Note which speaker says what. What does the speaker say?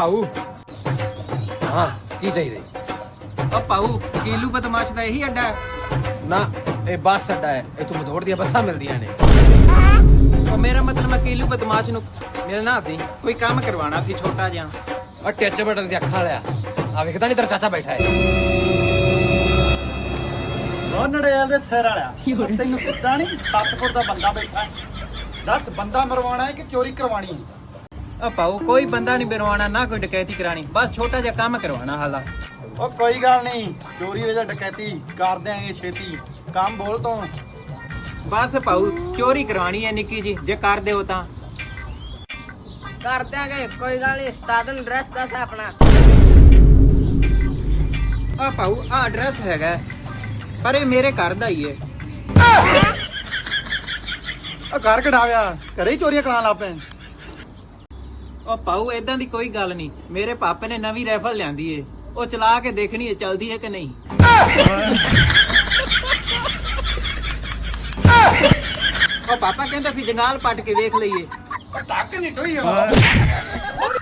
Speaker 1: ਭਾਊ ਹਾਂ ਕੀ ਚਾਹੀਦਾ
Speaker 2: ਓ ਭਾਊ ਕੀਲੂ ਬਦਮਾਸ਼ ਦਾ ਇਹੀ ਅੱਡਾ ਹੈ?
Speaker 1: ਨਾ ਇਹ ਬੱਸ ਅੱਡਾ ਹੈ ਇੱਥੋਂ ਮਧੋੜ ਦੀਆਂ ਬੱਸਾਂ ਮਿਲਦੀਆਂ ਨੇ
Speaker 2: ਉਹ ਮੇਰਾ ਮਤਲਬ ਮੈਂ ਕੀਲੂ ਬਦਮਾਸ਼ ਨੂੰ ਮਿਲਣਾ ਸੀ, ਕੋਈ ਕੰਮ ਕਰਵਾਉਣਾ ਸੀ ਛੋਟਾ ਜਿਹਾ।
Speaker 1: ਉਹ ਟੱਚ ਬਟਨ ਦੀ ਅੱਖਾਂ ਵਾਲਿਆ ਆ ਵੇਖਦਾ ਨਹੀਂ ਤੇਰਾ ਚਾਚਾ ਬੈਠਾ ਹੈ
Speaker 3: ਉਹ ਨੜੇਲ ਦੇ ਸਿਰ ਵਾਲਿਆ ਤੈਨੂੰ ਕਿੱਦਾਂ ਨਹੀਂ 7 ਫੁੱਟ ਦਾ ਬੰਦਾ ਬੈਠਾ ਦੱਸ ਬੰਦਾ ਮਰਵਾਉਣਾ ਹੈ ਕਿ ਚੋਰੀ ਕਰਵਾਣੀ ਹੈ?
Speaker 2: ਓ ਭਾਊ ਕੋਈ ਬੰਦਾ ਨਹੀਂ ਬਰਵਾਣਾ ਨਾ ਕੋਈ ਡਕੈਤੀ ਕਰਾਣੀ, ਬਸ ਛੋਟਾ ਜਿਹਾ ਕੰਮ ਕਰਵਾਉਣਾ ਹਾਲਾ।
Speaker 3: ਉਹ ਕੋਈ ਗੱਲ ਨਹੀਂ ਚੋਰੀ ਵਜਾ ਡਕੈਤੀ ਕਰ ਦਿਆਂਗੇ ਛੇਤੀ, ਕੰਮ ਬੋਲ ਤੋਂ।
Speaker 2: ਬਸ ਭਾਊ ਚੋਰੀ ਕਰਵਾਣੀ ਹੈ ਨਿੱਕੀ ਜੀ, ਜੇ ਕਰ ਦਿਓ ਤਾਂ
Speaker 4: ਕਰ ਦਿਆਂਗੇ, ਕੋਈ ਗੱਲ ਨਹੀਂ। ਉਸਤਾਦ ਨੂੰ ਐਡਰੈਸ ਦੱਸ ਆਪਣਾ।
Speaker 2: ਆ ਭਾਊ ਆ ਐਡਰੈਸ ਹੈਗਾ, ਪਰ ਇਹ ਮੇਰੇ ਘਰ ਦਾ ਹੀ ਹੈ।
Speaker 3: ਉਹ ਘਰ ਕਢਾ ਗਿਆ, ਘਰੇ ਹੀ ਚੋਰੀਆਂ ਕਰਾਉਣ ਲੱਗ ਪਏ।
Speaker 2: ਉਹ ਭਾਊ ਏਦਾਂ ਦੀ ਕੋਈ ਗੱਲ ਨਹੀਂ, ਮੇਰੇ ਪਾਪੇ ਨੇ ਨਵੀਂ ਰਾਈਫਲ ਲਿਆਂਦੀ ਏ, ਉਹ ਚਲਾ ਕੇ ਦੇਖਣੀ ਹੈ ਚੱਲਦੀ ਹੈ ਕਿ ਨਹੀਂ। ਉਹ ਪਾਪਾ ਕਹਿੰਦਾ ਸੀ ਜੰਗਾਲ ਪੱਟ ਕੇ ਵੇਖ ਲਈਏ।
Speaker 3: ਟੱਕ ਨਹੀਂ ਟੋਈ